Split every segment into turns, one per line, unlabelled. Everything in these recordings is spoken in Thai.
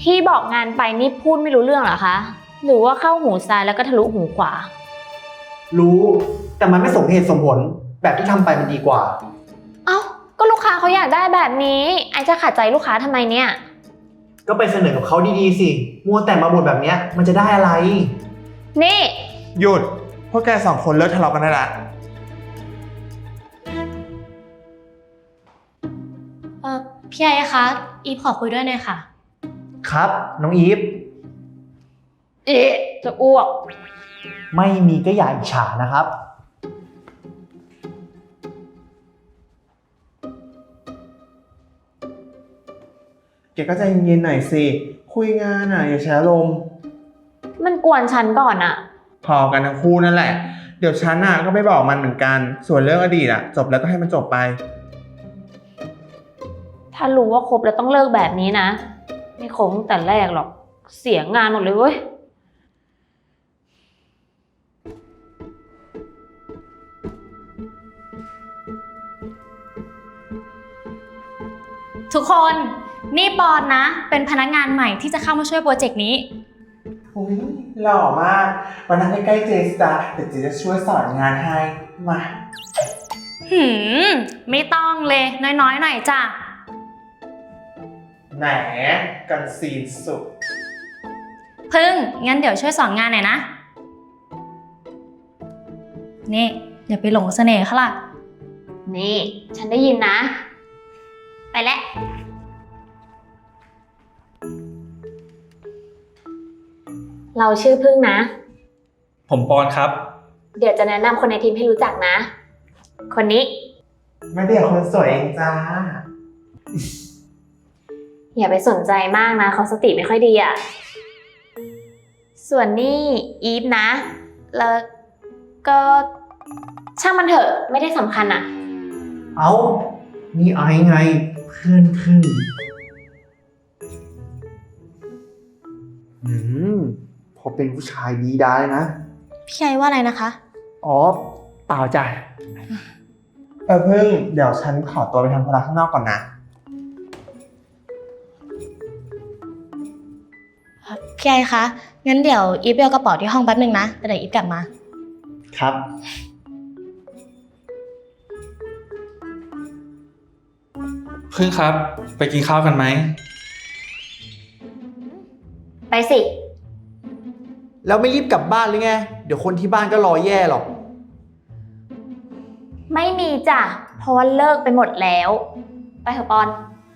ที่บอกงานไปนี่พูดไม่รู้เรื่องเหรอคะหรือว่าเข้าหูซ้ายแล้วก็ทะลุหูขวา
รู้แต่มันไม่สมเหตุสมผลแบบที่ทำไปมันดีกว่า
เอ้าก็ลูกค้าเขาอยากได้แบบนี้ไอจะขัดใจลูกค้าทำไมเนี่ย
ก็ไปเสนอกับเขาดีๆสิมัวแต่มาบ่นแบบเนี้ยมันจะได้อะไร
นี่
หยุดพวกแกสองคนเลิกทะเลาะกันได้ละ
พี่ไอคะอีฟขอคุยด้วยหน่อยค่ะ
ครับน้องอีฟ
จะอ้วก
ไม่มีก็อย่าอิจฉานะครับ
แกก็ใจเย็นๆหน่อยสิคุยงานอย่าแชร์ลมณ์
มันกวนฉันก่อนอะ
พอกันทั้งคู่นั่นแหละเดี๋ยวฉันก็ไม่บอกมันเหมือนกันส่วนเรื่องอดีตจบแล้วก็ให้มันจบไป
ถ้ารู้ว่าคบแล้วต้องเลิกแบบนี้นะไม่คบตั้งแต่แรกหรอกเสียงานหมดเลยเว้ย
ทุกคนนี่ปอนนะเป็นพนักงานใหม่ที่จะเข้ามาช่วยโปรเจกต์นี้
อุ๊ยหล่อมากวันนั้นใกล้ๆเจสตาเดี๋ยวเจจะช่วยสอนงานให้มา
ไม่ต้องเลยน้อยๆหน่อยจ้ะ
แหมกันซีนสุด
พึ่งงั้นเดี๋ยวช่วยสอนงานหน่อยนะนี่อย่าไปหลงเสน่ห์เขาล่ะ
นี่ฉันได้ยินนะไปแล้วเราชื่อพึ่งนะ
ผมปอนครับ
เดี๋ยวจะแนะนำคนในทีมให้รู้จักนะคนนี้
ไม่ได้คนสวยเองจ้า
อย่าไปสนใจมากนะเขาสติไม่ค่อยดีอ่ะส่วนนี่อีฟนะแล้วก็ช่างมันเถอะไม่ได้สำคัญอ่ะ
เอ้านี่ไอไงเพื่อนพึ่งพอเป็นผู้ชายดีได้นะ
พี่ไอว่าอะไรนะคะ
อ๋อเปล่าจ้ะ
พึ่งเดี๋ยวฉันขอตัวไปทำธุระข้างนอกก่อนนะ
พี่ไอคะงั้นเดี๋ยวอีฟไปเอากระเป๋าที่ห้องแป๊บนึงนะแต่เดี๋ยวอีฟกลับมา
ครับ
พึ่งครับไปกินข้าวกันไหม
ไปสิ
แล้วไม่รีบกลับบ้านหรือไงเดี๋ยวคนที่บ้านก็รอแย่หรอก
ไม่มีจ้ะเพราะว่าเลิกไปหมดแล้วไปเถอะปอน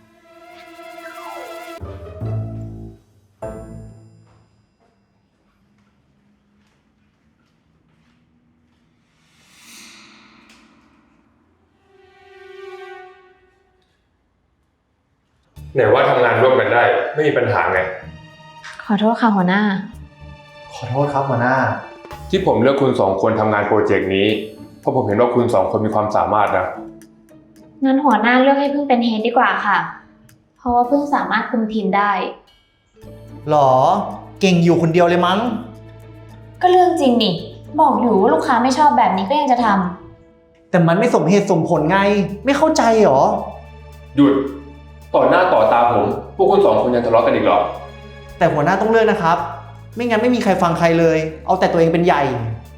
ไหนว่าทำงานร่วมกันได้ไม่มีปัญหาไง
ขอโทษค่ะหัวหน้า
ขอโทษครับหัวหน้า
ที่ผมเลือกคุณสองคนทำงานโปรเจกต์นี้เพราะผมเห็นว่าคุณสองคนมีความสามารถนะ
งั้นหัวหน้าเลือกให้พึ่งเป็นเฮดดีกว่าค่ะเพราะว่าพึ่งสามารถคุมทีมได้
หรอเก่งอยู่คนเดียวเลยมั้ง
ก็เรื่องจริงนี่บอกอยู่ว่าลูกค้าไม่ชอบแบบนี้ก็ยังจะทำ
แต่มันไม่สมเหตุสมผลไงไม่เข้าใจหรอ
หยุดต่อหน้าต่อตาผมพวกคุณสองคนยังทะเลาะกันอีกเหรอ
แต่หัวหน้าต้องเลือกนะครับไม่งั้นไม่มีใครฟังใครเลยเอาแต่ตัวเองเป็นใหญ่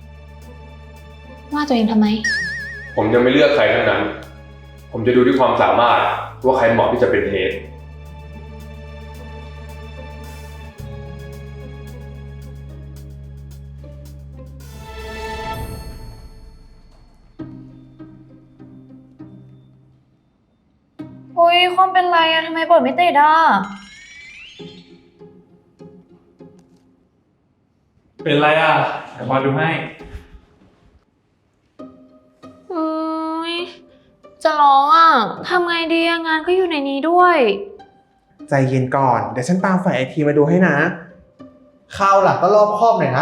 ว่าตัวเองทำไม
ผมยังไม่เลือกใครทั้งนั้นผมจะดูที่ความสามารถว่าใครเหมาะที่จะเป็นเฮด
อุ้ยความเป็นไรอะทำไมเปิดไม่ติดอะ
เป็นไรเดี๋ยวมาดูให้
จะร้องอ่ะทำไงดีงานก็อยู่ในนี้ด้วย
ใจเย็นก่อนเดี๋ยวฉันตามฝ่ายไอทีมาดูให้นะ
คราวหลังก็รอบคอบหน่อยนะ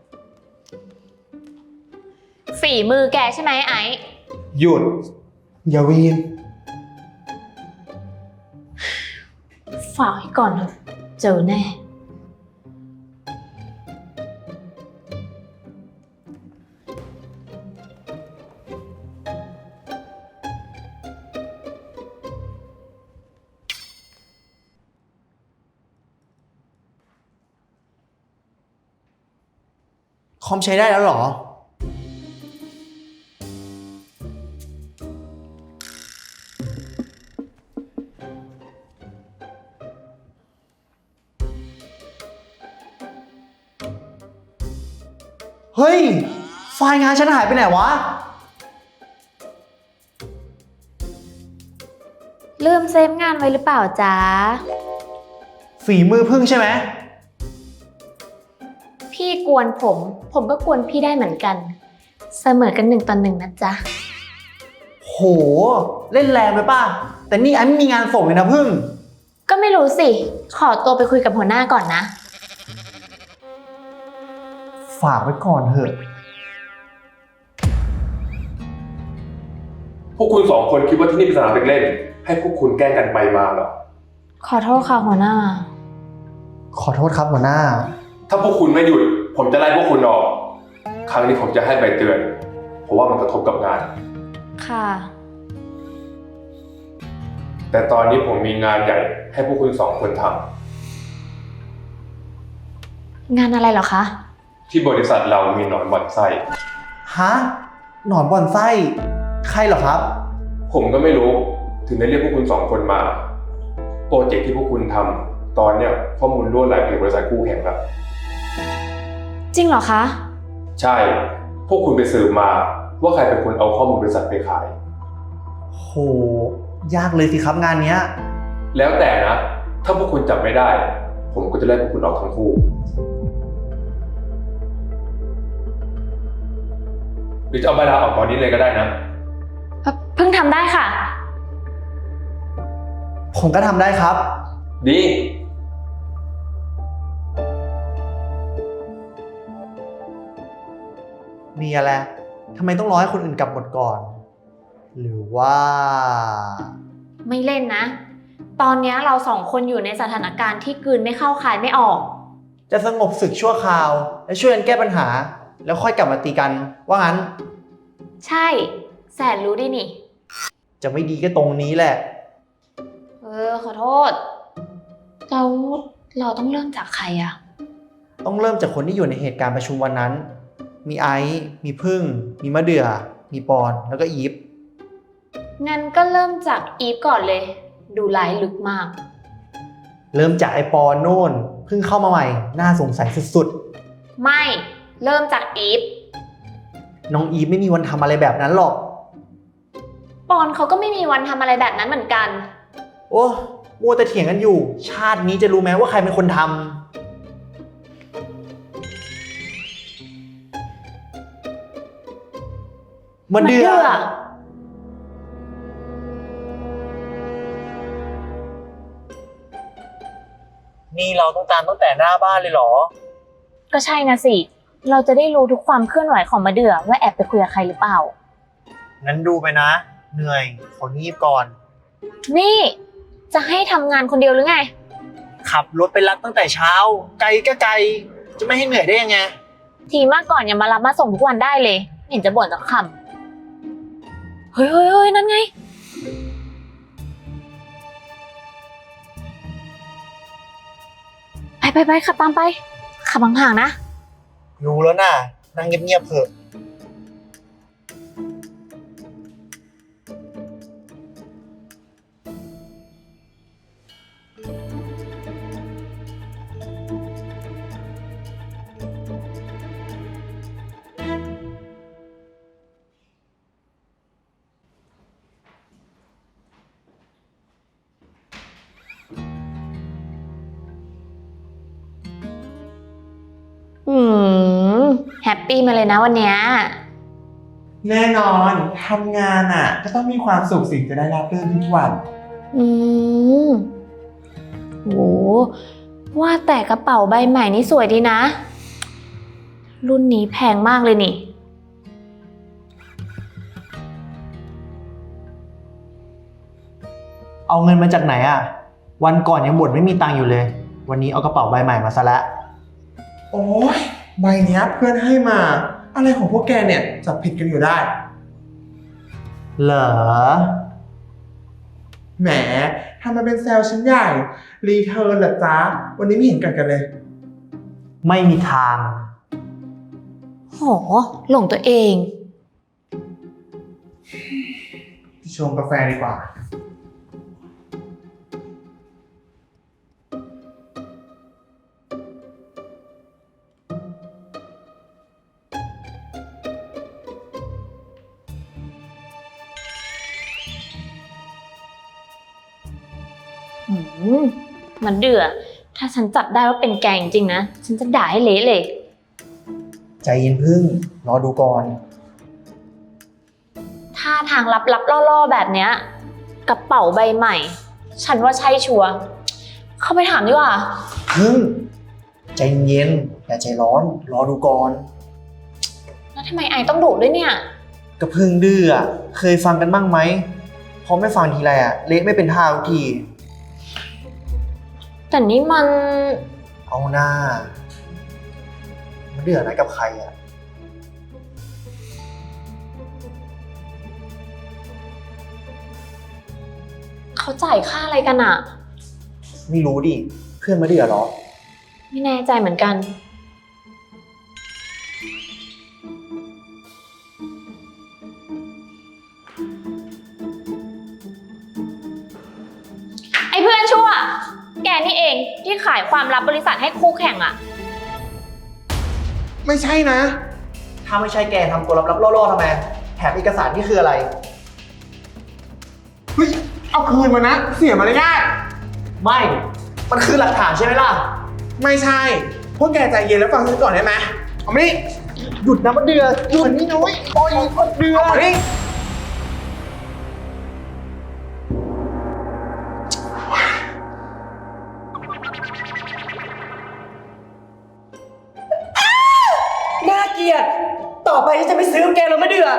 ฝีมือแกใช่ไหมไอ้
หยุดอย่าวีน
ฝากให้ก่อนเถอะเจอแน่
อมใช้ได้แล้วเหรอ เฮ้ย ไฟล์งานฉันหายไปไหนวะ
ลืมเซฟงานไว้หรือเปล่าจ๊ะ
ฝีมือพึ่งใช่ไหม
พี่กวนผมก็กวนพี่ได้เหมือนกัน เสมอกัน1-1นะจ๊ะ
โห เล่นแรงไปป่ะ แต่นี่ไอ้ไม่มีงานส่งเลยนะพึ่ง
ก็ไม่รู้สิ ขอตัวไปคุยกับหัวหน้าก่อนนะ
ฝากไว้ก่อนเถอะ
พวกคุณ2 คนคิดว่าที่นี่เป็นสนามเด็กเล่น ให้พวกคุณแกล้งกันไปมาเหรอ
ขอโทษค่ะหัวหน้า
ขอโทษครับหัวหน้า
ถ้าพวกคุณไม่หยุด ผมจะไล่พวกคุณออก ครั้งนี้ผมจะให้ใบเตือน เพราะว่ามันกระทบกับงาน
ค่ะ
แต่ตอนนี้ผมมีงานใหญ่ให้พวกคุณ2 คนท
งานอะไรเหรอคะ
ำที่บริษัทเรามีหนอนบ่อนไส้
ฮะ หนอนบ่อนไส้ ใครเหรอครับ
ผมก็ไม่รู้ถึงได้เรียกพวกคุณ2 คนมา โปรเจกต์ที่พวกคุณทำตอนเนี้ยข้อมูลรั่วไหลไปถึงบริษัทคู่แข่งแล้ว
จริงเหรอคะ
ใช่ พวกคุณไปสืบมาว่าใครเป็นคนเอาข้อมูลบริษัทไปขาย
โห ยากเลยสิครับงานเนี้ย
แล้วแต่นะ ถ้าพวกคุณจับไม่ได้ ผมก็จะไล่พวกคุณออกทั้งคู่ หรือจะเอาใบลาออกตอนนี้เลยก็ได้นะ
เพิ่งทำได้ค่ะ
ผมก็ทำได้ครับ
ดี
มีอะไร ทำไมต้องรอให้คนอื่นกลับหมดก่อน หรือว่า
ไม่เล่นนะ ตอนนี้เรา2 คนอยู่ในสถานการณ์ที่กลืนไม่เข้าคายไม่ออก
จะสงบศึกชั่วคราว และช่วยกันแก้ปัญหา แล้วค่อยกลับมาตีกัน ว่างั้น
ใช่ แสนรู้ดินี่
จะไม่ดีก็ตรงนี้แหละ
ขอโทษ เราต้องเริ่มจากใครอะ
ต้องเริ่มจากคนที่อยู่ในเหตุการณ์ประชุมวันนั้น มีไอซ์ มีพึ่ง มีมะเดื่อ มีปอน แล้วก็อีฟ
งั้นก็เริ่มจากอีฟก่อนเลย ดูลายลึกมาก
เริ่มจากไอปอนโน่น เพิ่งเข้ามาใหม่ น่าสงสัยสุด
ไม่ เริ่มจากอีฟ
ๆ น้องอีฟไม่มีวันทำอะไรแบบนั้นหรอก
ปอนเขาก็ไม่มีวันทำอะไรแบบนั้นเหมือนกัน
โอ้มัวแต่เถียงกันอยู่ ชาตินี้จะรู้ไหมว่าใครเป็นคนทำมะเดื่อ นี่เราต้องตามตั้งแต่หน้าบ้านเลยเหรอ
ก็ใช่นะสิ เราจะได้รู้ทุกความเคลื่อนไหวของมะเดื่อว่าแอบไปคุยกับใครหรือเปล่า
งั้นดูไปนะ เหนื่อย ของีบก่อน
นี่ จะให้ทำงานคนเดียวหรือไง
ขับรถไปรับตั้งแต่เช้า ไกลก็ไกล จะไม่ให้เหนื่อยได้ยังไง
ทีมากก่อนอย่ามารับมาส่งทุกวันได้เลยไม่เห็นจะบ่นสักคำเฮ้ยนั่นไง ไปขับตามไป ขับห่างๆนะ
รู้แล้วน่ะ นั่งเงียบๆเถอะ
แฮปปี้มาเลยนะวันเนี้ย
แน่นอนทำงานอ่ะ ก็ต้องมีความสุขสิจะได้รับเรื่องทุกวัน
อืมโหว่าแต่กระเป๋าใบใหม่นี่สวยดีนะ รุ่นนี้แพงมากเลยนี่
เอาเงินมาจากไหนอ่ะ วันก่อนยังบ่นไม่มีตังค์อยู่เลย วันนี้เอากระเป๋าใบใหม่มาซะแล้ว
โอ้ยใบเนี้ยเพื่อนให้มา อะไรของพวกแกเนี่ยจับผิดกันอยู่ได้
เหรอ
แหมทำมาเป็นแซลฉันใหญ่ รีเทิร์นเหรอจ๊ะ วันนี้ไม่เห็นกันเลย
ไม่มีทาง
โหหลงตัวเอง
ชงกาแฟดีกว่า
หืมมันเดือดถ้าฉันจับได้ว่าเป็นแกจริงๆนะ ฉันจะด่าให้เละเลย
ใจเย็นพึ่ง รอดูก่อน
ท่าทางลับๆล่อๆแบบเนี้ยกระเป๋าใบใหม่ ฉันว่าใช่ชัวร์เข้าไปถามดีกว่า
พึ่ง ใจเย็นอย่าใจร้อน รอดูก่อน
แล้วทำไมไอต้องดุด้วยเนี่ย
ก็พึ่งดื้ออะเคยฟังกันบ้างไหมพอไม่ฟังทีไรอะเละไม่เป็นท่าทุกที
แต่นี่มัน
เอาหน้ามันเดือดนะกับใครอะ
เขาจ่ายค่าอะไรกันอะ
ไม่รู้ดิ เพื่อนมาเดือดเหรอ
ไม่แน่ใจเหมือนกัน ไอ้เพื่อนชั่ว แกนี่เองที่ขายความลับบริษัทให้คู่แข่งอะ
ไม่ใช่นะ
ถ้าไม่ใช่แกทำตัวลับๆล่อๆทำไม แถมเอกสารนี่คืออะไร
เฮ้ย เอาคืนมานะ เสียมารยาท
ไม่ มันคือหลักฐานใช่ไหมล่ะ
ไม่ใช่ พวกแกใจเย็นแล้วฟังฉันก่อนได้ไหมเอามานี่
หยุดนะมันเดือดหยุดนี่นุ้ยปล่อยมันเดือด
เอามานี่
น่าเกลียด ต่อไปฉันจะไม่ซื้อแกแล้วไม่เดือด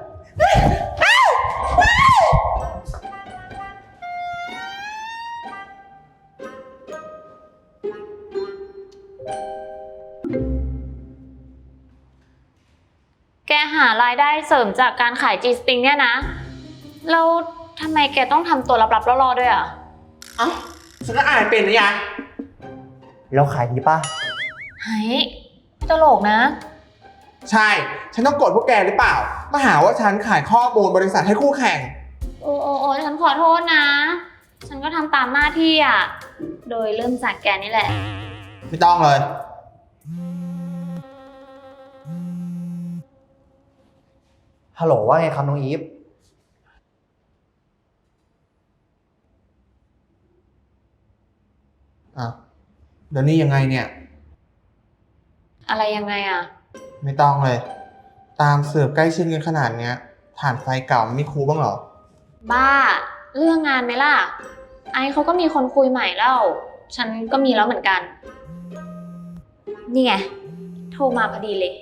แกหารายได้เสริมจากการขาย G-String เนี่ยนะ แล้วทำไมแกต้องทำตัวลับๆล่อๆด้วยอะ
เอ้าฉันก็อ่านเป็นนะยะ
แล้วขายดีป่ะ
เฮ้ยตลกนะ
ใช่ ฉันต้องโกรธพวกแกหรือเปล่า มาหาว่าฉันขายข้อมูลบริษัทให้คู่แข่ง
โอ้ฉันขอโทษนะ ฉันก็ทำตามหน้าที่อ่ะ โดยเริ่มจากแกนี่แหละ
ไม่ต้องเลย
ฮัลโหลว่าไงครับน้องอีฟ
อ่ะ เดี๋ยวนี้ยังไงเนี่ย
อะไรยังไงอ่ะ
ไม่ต้องเลย ตามสืบใกล้ชิดกันขนาดเนี้ยฐานไฟเก่าไม่คูลบ้างเหรอ
บ้า เรื่องงานไหมล่ะ ไอซ์เขาก็มีคนคุยใหม่แล้ว ฉันก็มีแล้วเหมือนกัน นี่ไง โทรมาพอดีเลย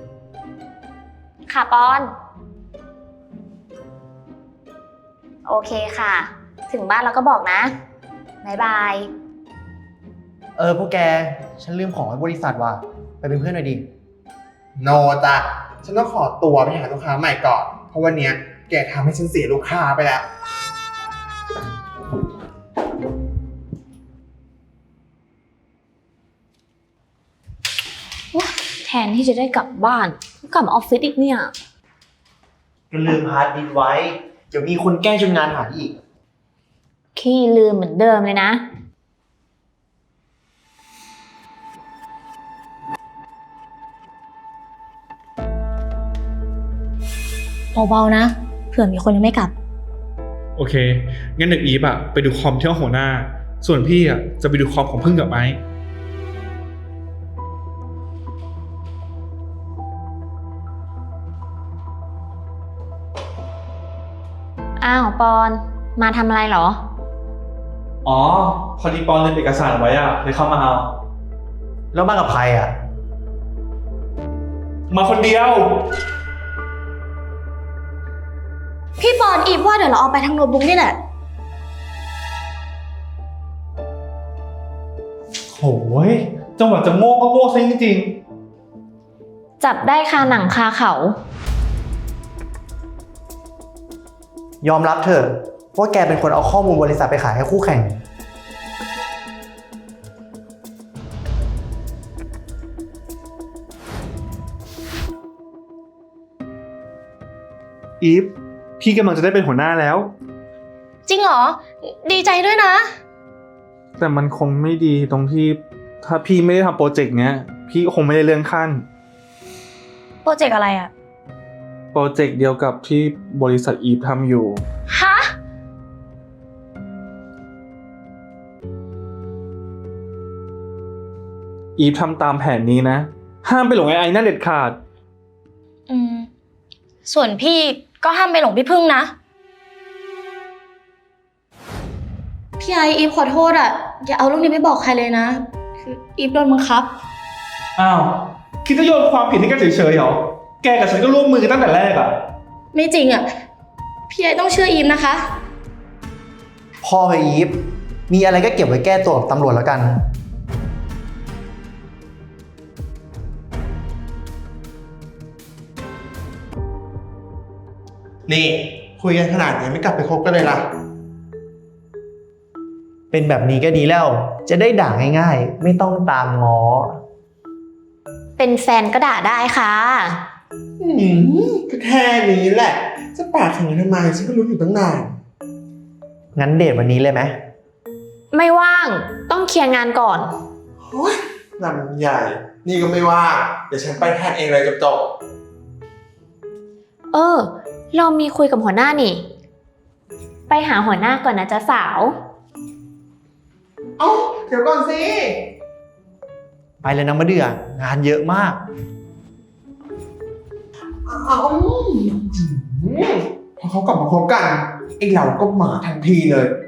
ค่ะปอน โอเคค่ะ ถึงบ้านเราก็บอกนะบ๊ายบาย
พวกแก ฉันลืมของไว้บริษัทว่ะ ไปเป็นเพื่อนหน่อยดิ
โนจ้ะ ฉันต้องขอตัวไปหาลูกค้าใหม่ก่อน เพราะวันเนี้ยแกทำให้ฉันเสียลูกค้าไปแล้ว
แทนที่จะได้กลับบ้านก็กลับมาออฟฟิศอีกเนี่ย
ก็ลืมฮาร์ดดิสก์ไว้ เดี๋ยวมีคนแกล้งจนงานหายอีก
ขี้ลืมเหมือนเดิมเลยนะ
เบาๆนะ เผื่อมีคนยังไม่กลับ
โอเค งั้นเด็กอีฟอะไปดูคอมที่ห้องหัวหน้า ส่วนพี่อะจะไปดูคอมของพึ่งกับไม้
อ้าวปอน มาทำอะไรเหรอ
อ๋อ พอดีปอนลืมเอกสารไว้อะเลยเข้ามาเอา
แล้วมากับใครอ่ะ
มาคนเดียว
พี่ปอนอีฟว่าเดี๋ยวเราเอาไปทางโน้ตบุ๊กนี่แหละ
โหยจังหวะจะโง่ก็โง่ซะจริง
จับได้คาหนังคาเขา
ยอมรับเถอะว่าแกเป็นคนเอาข้อมูลบริษัทไปขายให้คู่แข่ง
พ
อีฟ พี่กำลังจะได้เป็นหัวหน้าแล้ว
จริงเหรอ ดีใจด้วยนะ
แต่มันคงไม่ดีตรงที่ถ้าพี่ไม่ได้ทำโปรเจกต์เนี้ย พี่คงไม่ได้เลื่อนขั้น
โปรเจกต์อะไรอะ
โปรเจกต์เดียวกับที่บริษัทอีฟทำอยู่
ฮะ
อีฟทำตามแผนนี้นะ ห้ามไปหลงไอ้นั่นเด็ดขาด
ส่วนพี่ก็ห้ามไปหลงพี่พึ่งนะ พี่ไออีฟขอโทษอะอย่าเอาเรื่องนี้ไปบอกใครเลยนะ คืออีฟโดนบังคับ
อ้าว คิดจะโยนความผิดให้กันเฉยๆเหรอ แกกับฉันก็ร่วมมือกันตั้งแต่แรกอะ
ไม่จริงอะพี่ไอต้องเชื่ออีฟนะคะ
พ่อไปอีฟ มีอะไรก็เก็บไว้แก้ตัวกับตำรวจแล้วกัน
นี่ คุยกันขนาดนี้ไม่กลับไปคบกันเลยล่ะ
เป็นแบบนี้ก็ดีแล้ว จะได้ด่าง่ายๆ ไม่ต้องตามง้อ
เป็นแฟนก็ด่าได้ค่ะ
ก็แค่นี้แหละ จะปากแข็งทำไมฉันก็รู้อยู่ตั้งนาน
งั้นเดทวันนี้เลยไหม
ไม่ว่าง ต้องเคลียร์งานก่อน
โอ้ยลำใหญ่ นี่ก็ไม่ว่า เดี๋ยวฉันไปแทนเองเลยจบ
เรามีคุยกับหัวหน้านี่ ไปหาหัวหน้าก่อนนะจ๊ะสาว
ๆเอ้าเดี๋ยวก่อนสิ
ไปเลยนะมะเดื่อ งานเยอะมาก
เอาพอเขากลับมาคบกันไอ้เราก็มาทันทีเลย